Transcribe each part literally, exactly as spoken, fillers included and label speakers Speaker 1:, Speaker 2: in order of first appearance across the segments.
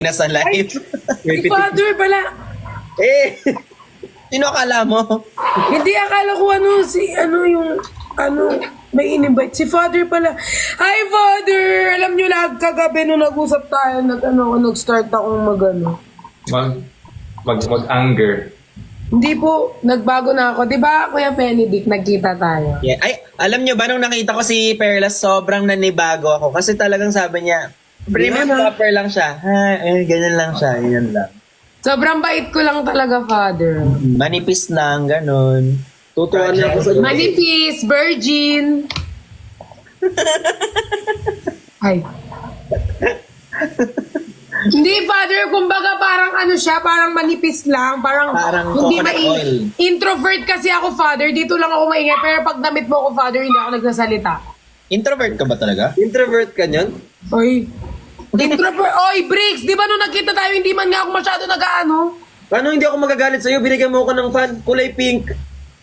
Speaker 1: Nasa live.
Speaker 2: Si Father pala.
Speaker 1: Eh, sino akala mo?
Speaker 2: Hindi, akala ko ano, si, ano yung, ano, may in-invite. Si Father pala. Hi, Father! Alam nyo na, kagabi nung nag-usap tayo, nag, ano, nag-start akong mag, ano.
Speaker 3: Mag, mag, mag-anger.
Speaker 2: Hindi po, nagbago na ako. Di ba, Kuya Benedict, nagkita tayo?
Speaker 1: Yeah. Ay, alam nyo ba nung nakita ko si Perlas, sobrang nanibago ako. Kasi talagang sabi niya, premium copper lang siya. Ha, eh, ganyan lang siya. Yan lang.
Speaker 2: Sobrang bait ko lang talaga, Father.
Speaker 1: Manipis lang, ganun.
Speaker 4: Tutuwa niya ako sa iyo.
Speaker 2: Manipis, virgin. Ay. Hindi, Father, kumbaga parang ano siya, parang manipis lang, parang,
Speaker 1: Parang
Speaker 2: hindi
Speaker 1: coconut
Speaker 2: mai-
Speaker 1: oil.
Speaker 2: Introvert kasi ako, Father, dito lang ako maingay, pero pag namit mo ako, Father, hindi ako nagsasalita.
Speaker 1: Introvert ka ba talaga?
Speaker 4: Introvert ka niyan?
Speaker 2: Oy. Introvert, oy, Briggs, di ba nung nagkita tayo, hindi man nga ako masyado nag-ano?
Speaker 4: Paano hindi ako magagalit sa'yo? Binigyan mo ako ng fan, kulay pink.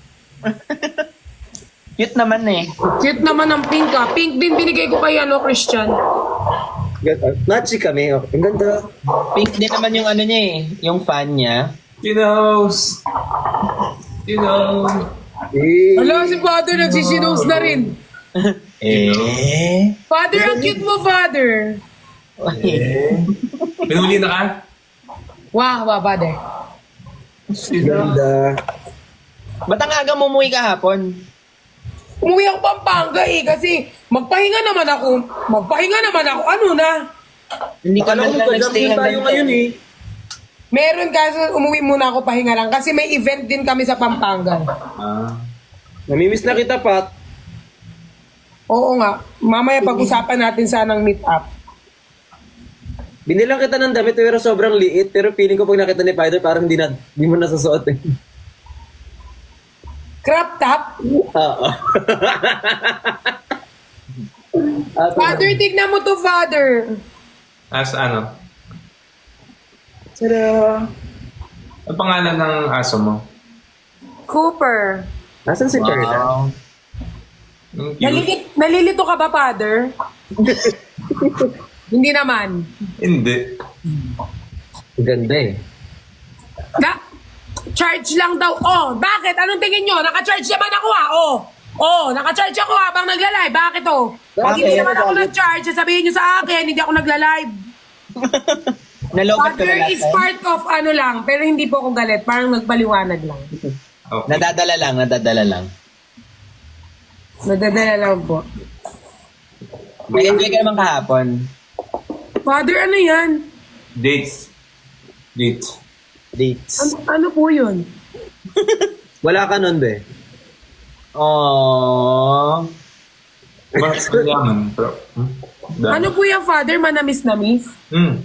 Speaker 1: Cute naman eh.
Speaker 2: Cute naman ang pink, ah. Pink din binigay ko kay, ano, Christian.
Speaker 4: Nachi kami. Ang ganda.
Speaker 1: Pink din naman yung ano niya eh. Yung fan niya.
Speaker 3: She knows. You know.
Speaker 4: Eh,
Speaker 2: Hala, si Father, nagsisinos na rin.
Speaker 1: Eh.
Speaker 2: Father, ang cute mo, Father.
Speaker 3: Pinuli na ka?
Speaker 2: Wow, wow, Father.
Speaker 4: ganda.
Speaker 1: Ba't ang aga mo umuwi kahapon?
Speaker 2: Umuwi ako Pampanga eh, kasi magpahinga naman ako. Magpahinga naman ako. Ano na?
Speaker 1: Hindi ka
Speaker 4: Akala
Speaker 1: man
Speaker 4: ko
Speaker 1: lang
Speaker 4: nagka-jump
Speaker 1: nagstay
Speaker 4: din tayo
Speaker 1: hanggang
Speaker 4: ngayon eh.
Speaker 2: Meron kasi umuwi muna ako pahinga lang kasi may event din kami sa Pampanga.
Speaker 3: Ah.
Speaker 4: Namimiss na kita, Pat.
Speaker 2: Oo nga. Mamaya pag-usapan natin sanang meet up.
Speaker 4: Binilang kita ng damit pero sobrang liit. Pero feeling ko pag nakita ni Python parang hindi, na, hindi mo nasusuot eh.
Speaker 2: Crop top?
Speaker 4: Oo. At,
Speaker 2: Father, tignan mo to, Father.
Speaker 3: As ano?
Speaker 4: Tada!
Speaker 3: Ang pangalan ng aso mo?
Speaker 2: Cooper.
Speaker 4: Nasaan si Perla?
Speaker 1: Wow.
Speaker 3: Yung cute.
Speaker 2: Nalilit, nalilito ka ba, Father? Hindi naman.
Speaker 3: Hindi.
Speaker 4: Ang ganda eh.
Speaker 2: Na, charge lang daw. Oh, bakit? Anong tingin nyo? Naka-charge naman ako ah. Oh, oh, naka-charge ako habang nagla-live. Bakit oh? Pag hindi
Speaker 1: Bakit?
Speaker 2: naman ako nag-charge, sasabihin nyo sa akin, hindi ako nagla-live.
Speaker 1: Nalobat ka
Speaker 2: Father
Speaker 1: na
Speaker 2: is
Speaker 1: lahat.
Speaker 2: part of ano lang, pero hindi po ako galit. Parang nagpaliwanag lang.
Speaker 3: Okay.
Speaker 1: Nadadala lang, nadadala lang.
Speaker 2: Nadadala lang po.
Speaker 1: May enjoy ka naman kahapon.
Speaker 2: Father, ano yan?
Speaker 3: Dates. Dates.
Speaker 1: Dates.
Speaker 2: Ano, ano po yun?
Speaker 4: Wala ka nun, be.
Speaker 1: Aww.
Speaker 3: Bakit mayaman? Pero, hmm? Dami.
Speaker 2: Ano po yung Father? Manamis-namis?
Speaker 3: Hmm.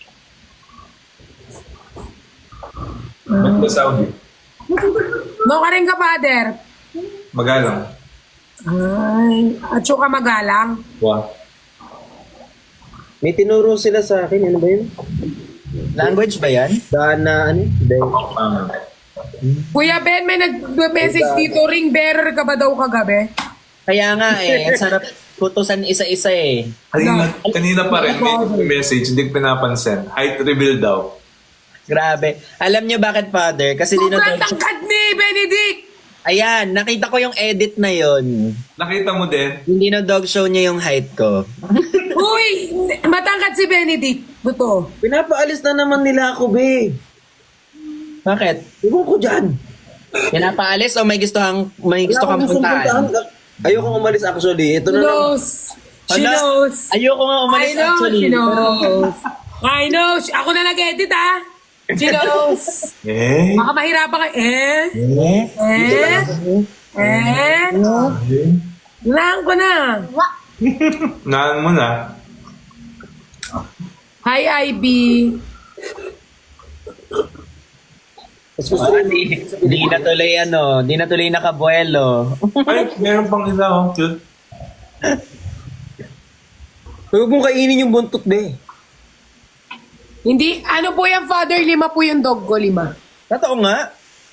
Speaker 3: Ba't ba Saudi?
Speaker 2: No ka rin ka, Father?
Speaker 3: Magalang.
Speaker 2: Ay, at ka magalang.
Speaker 3: Wow.
Speaker 4: May tinuro sila sa akin. Ano ba yun?
Speaker 1: Language ba yan?
Speaker 4: Daan na ano? Dahil.
Speaker 3: Ah.
Speaker 2: Kuya Ben, may nag-message dito, ring bearer ka ba daw kagabi?
Speaker 1: Kaya nga eh, ang sarap putusan isa-isa eh.
Speaker 3: Kanina, kanina pa rin, may message, hindi ko pinapansin. Height reveal daw.
Speaker 1: Grabe. Alam niyo bakit, Father? Kasi
Speaker 2: Sobrang
Speaker 1: dinodog...
Speaker 2: tangkad ni Benedict!
Speaker 1: Ayan, nakita ko yung edit na yon.
Speaker 3: Nakita mo din?
Speaker 1: Hindi na dog show niya yung height ko.
Speaker 2: Uy, matangkad si Benedict. Buto.
Speaker 4: Pinapaalis na naman nila ako, be.
Speaker 1: Bakit?
Speaker 4: Iwan ko dyan.
Speaker 1: Pinapaalis o may gusto kang may gusto kang
Speaker 4: Wala akong gustong
Speaker 1: puntahan?
Speaker 4: Ayokong umalis actually. Ito
Speaker 2: She
Speaker 4: na lang.
Speaker 2: knows. She
Speaker 1: Hala,
Speaker 2: knows.
Speaker 1: Ayoko nga
Speaker 2: I
Speaker 1: umalis
Speaker 2: know,
Speaker 1: actually.
Speaker 2: she knows. I know. Ako na nag-edit, ah. She knows.
Speaker 3: Eh?
Speaker 2: Baka mahirapan ka. Eh?
Speaker 1: Eh?
Speaker 2: Eh? Eh? Hulaan ko na.
Speaker 3: Naan mo na.
Speaker 2: Hi, I B.
Speaker 4: Mas gusto
Speaker 1: Oh,
Speaker 4: rin.
Speaker 1: di, di na tuloy ano, di na tuloy nakabuelo.
Speaker 3: Ay, meron pang isa, oh. Cute.
Speaker 4: Huwag mong kainin yung buntot, be.
Speaker 2: Hindi, ano po yung Father? Lima po yung dog ko, lima.
Speaker 1: Totoo nga.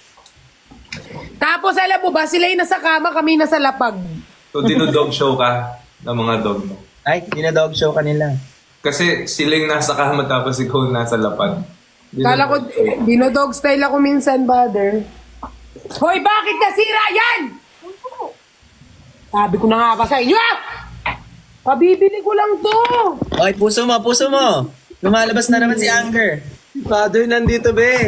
Speaker 2: Tapos alam mo ba, sila yung nasa kama, kami nasa lapag.
Speaker 3: So, dinodog show ka ng mga dog mo.
Speaker 1: Ay, di na dog show kanila.
Speaker 3: Kasi sila yung nasa kama tapos ikaw nasa lapad.
Speaker 2: Kala ko, dinodog style ako minsan, Father. Hoy, bakit nasira yan? Sabi ko na nga ba sa inyo? ah! Pabibili ko lang to.
Speaker 1: Oy, puso mo, puso mo. Lumalabas na naman si Anger.
Speaker 4: Father, nandito, be.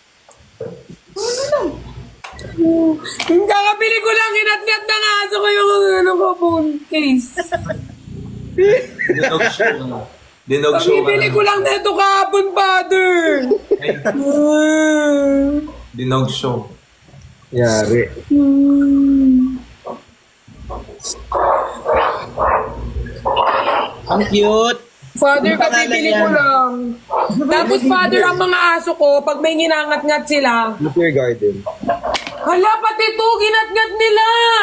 Speaker 2: Yung kakabili ko lang, inat-ngat na nga aso ko yung ano ko, phone case.
Speaker 3: Dinog show. Dinog show ka
Speaker 2: Pabibili
Speaker 3: na.
Speaker 2: ko lang na ito kahapon, Father.
Speaker 3: Ay, Dinog show.
Speaker 4: Yari.
Speaker 1: Ang cute.
Speaker 2: Father,
Speaker 1: Ang pangalan
Speaker 2: kabibili
Speaker 1: yan.
Speaker 2: ko lang. Tapos, Father, ang mga aso ko, pag may ginangat-ngat sila,
Speaker 4: Look your garden.
Speaker 2: hala, pati ito, ginat-ngat nila.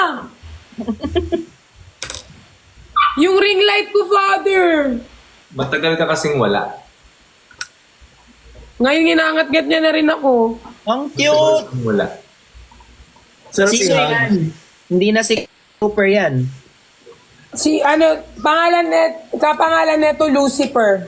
Speaker 2: Yung ring light ko, Father.
Speaker 3: Matagal ka kasing wala.
Speaker 2: Ngayon, ginangat-ngat niya na rin ako.
Speaker 1: Ang
Speaker 3: Matagal
Speaker 1: cute.
Speaker 3: kasing wala.
Speaker 4: Sarap
Speaker 1: Sino
Speaker 4: i-hug.
Speaker 1: yan? Hindi na si Cooper yan.
Speaker 2: Si, ano, pangalan net, kapangalan neto, Lucifer.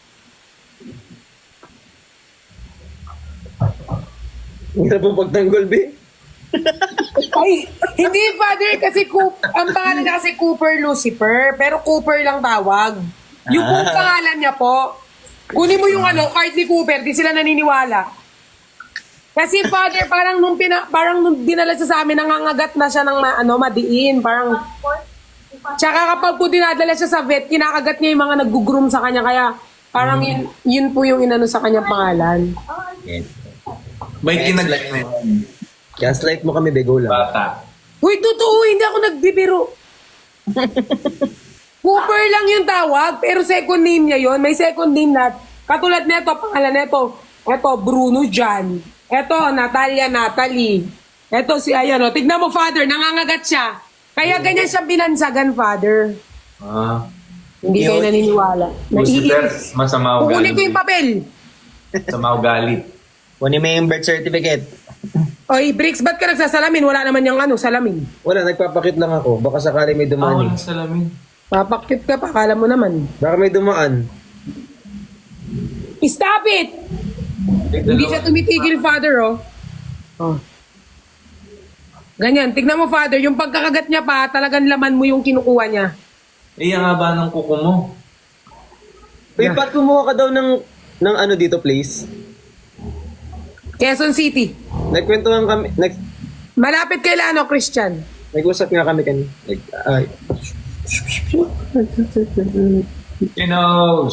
Speaker 4: Hirap ang pagtanggol, be.
Speaker 2: Ay, hindi, Father, kasi Coop, ang pangalan niya kasi Cooper Lucifer, pero Cooper lang tawag. Yung
Speaker 1: Ah.
Speaker 2: kung pangalan niya po, kunin mo yung ano, card ni Cooper, di sila naniniwala. Kasi Father, parang nung, pina, parang nung dinala siya sa amin, nangangagat na siya ng ma, ano, madiin, parang... Tsaka kapag po dinadala siya sa vet, kinakagat niya yung mga nag-groom sa kanya, kaya parang yun, yun po yung inano sa kanya pangalan.
Speaker 3: May kinaglat na yun.
Speaker 4: Gaslight mo kami, be. Go lang.
Speaker 3: Bata.
Speaker 2: Uy, totoo, hindi ako nagbibiro. Cooper lang yung tawag, pero second name niya yon. May second name na, katulad neto, pangalan neto, eto, Bruno Jan. Eto, Natalia Natalie. Eto si, ayan o, tignan mo, Father, nangangagat siya. Kaya ganyan siya binansagan, Father.
Speaker 3: Ah.
Speaker 2: Hindi kayo naniniwala.
Speaker 3: Lucifer,
Speaker 2: Naiinis.
Speaker 3: masama
Speaker 2: Kukunin
Speaker 3: ugali.
Speaker 2: ko yung papel.
Speaker 3: Masama ugali.
Speaker 1: Kunin mo yung birth certificate.
Speaker 2: Oy, Bricks, ba't ka nagsasalamin? Wala naman yung ano, salamin.
Speaker 4: Wala, nagpapakit lang ako. Baka sakali may
Speaker 3: Ah,
Speaker 4: dumaan.
Speaker 3: walang
Speaker 4: eh.
Speaker 3: salamin.
Speaker 2: Papakit ka pa, kala mo naman.
Speaker 4: Baka may dumaan.
Speaker 2: Stop it!
Speaker 3: Ay,
Speaker 2: Hindi
Speaker 3: dalawa.
Speaker 2: siya tumitigil, Father, oh. Oh. Ganyan, tignan mo, Father, yung pagkakagat niya pa, talagang laman mo yung kinukuha niya.
Speaker 3: Eh, ang haba ng kuko mo.
Speaker 4: Uy, Pat, kumuha ka daw ng, ng ano dito, please.
Speaker 2: Quezon City.
Speaker 4: Nagkwentuhan kami, nag,
Speaker 2: Malapit kay Lano, Christian.
Speaker 4: nag-usap nga kami kanina. Like, ay,
Speaker 3: He knows.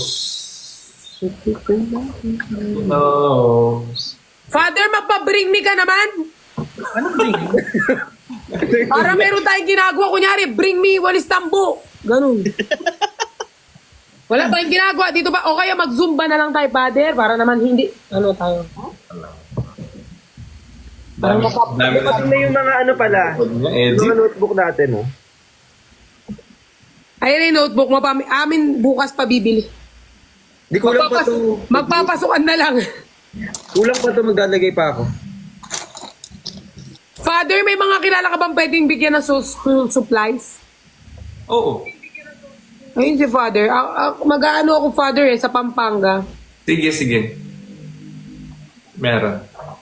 Speaker 3: He knows.
Speaker 2: Father, magpa-bring me ka naman. Para meron tayong ginagawa. Kunyari, bring me walis tambo. Ganun. Wala tayong ginagawa dito ba? O kaya mag-zumba na lang tayo, Father, para naman hindi. Ano tayo?
Speaker 3: Dami, dami na.
Speaker 4: Pati na yung mga ano pala,
Speaker 3: Niya,
Speaker 4: yung
Speaker 3: edit.
Speaker 4: mga notebook natin, oh.
Speaker 2: Ayun yung notebook mo. Pami- amin bukas pa bibili.
Speaker 4: Di kulang pa
Speaker 2: Magpapas-
Speaker 4: to.
Speaker 2: magpapasukan na lang.
Speaker 4: Kulang pa to, maglalagay pa ako.
Speaker 2: Father, may mga kilala ka bang pwedeng bigyan ng su- school supplies?
Speaker 3: Oo.
Speaker 2: Ayun si Father. A- a- mag-aano ako, Father, eh, sa Pampanga.
Speaker 3: Sige, sige. Meron.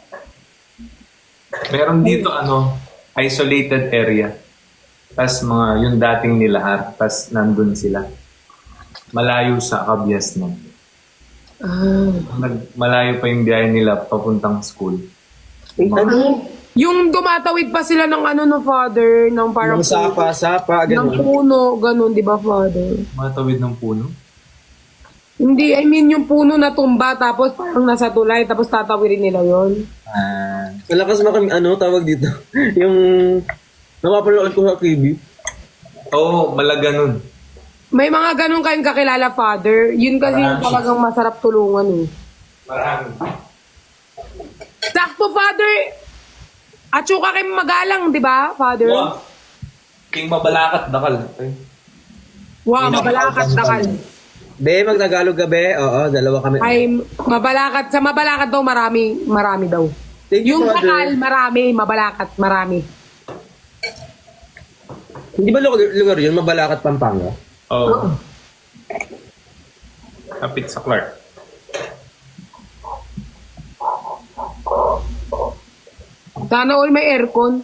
Speaker 3: Meron dito, ano, isolated area. Tapos mga, yung dating nilahar, tapos nandun sila. Malayo sa Kabyas na.
Speaker 2: Ah.
Speaker 3: Nag, malayo pa yung biyahe nila papuntang school.
Speaker 4: Eh, ano?
Speaker 2: Yung dumatawid pa sila ng ano no, Father, ng parang
Speaker 4: Yung sapa, sapa,
Speaker 2: ng
Speaker 4: gano'n.
Speaker 2: puno, ganun, di ba, Father?
Speaker 3: Matawid ng puno.
Speaker 2: Hindi, I mean yung puno na tumba, tapos parang nasa tulay, tapos tatawirin nila yon.
Speaker 1: Ah.
Speaker 4: Malakas mo kami, ano, tawag dito? yung, napapanood ko sa T V.
Speaker 3: Oo, malaga nun.
Speaker 2: May mga ganun kayong kakilala, Father. Yun kasi yung talagang masarap tulungan eh.
Speaker 3: Marami.
Speaker 2: Sakto, Father! Atsuka kayo magalang, di ba, Father?
Speaker 3: Wow. King mabalakat, dakal. Ay.
Speaker 2: Wow, mabalakat dakal.
Speaker 4: Be, mag-Tagalog ka, be. Oo, dalawa kami.
Speaker 2: Ay, mabalakat. Sa mabalakat daw, marami, marami daw.
Speaker 4: Thank you,
Speaker 2: Yung
Speaker 4: Father.
Speaker 2: dakal, marami. Mabalakat, marami.
Speaker 4: Hindi ba lugar, lugar yun? Mabalakat, Pampanga?
Speaker 3: Oo. Kapit sa Clark.
Speaker 2: Sana all may aircon.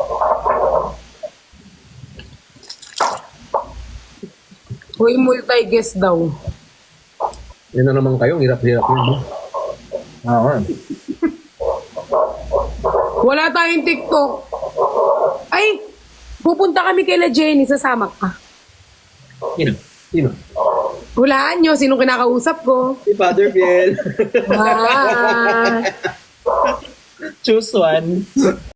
Speaker 2: Uy, multi-guest daw.
Speaker 4: Yan na naman kayo, ang hirap-hirap yun. No?
Speaker 1: Oo.
Speaker 2: Wala tayong TikTok. Ay, pupunta kami kay La Jenny, sasama ka.
Speaker 4: Sino? Sino?
Speaker 2: Hulaan nyo, sinong kinakausap ko.
Speaker 4: Si Father Biel.
Speaker 2: Ah.
Speaker 1: Choose one.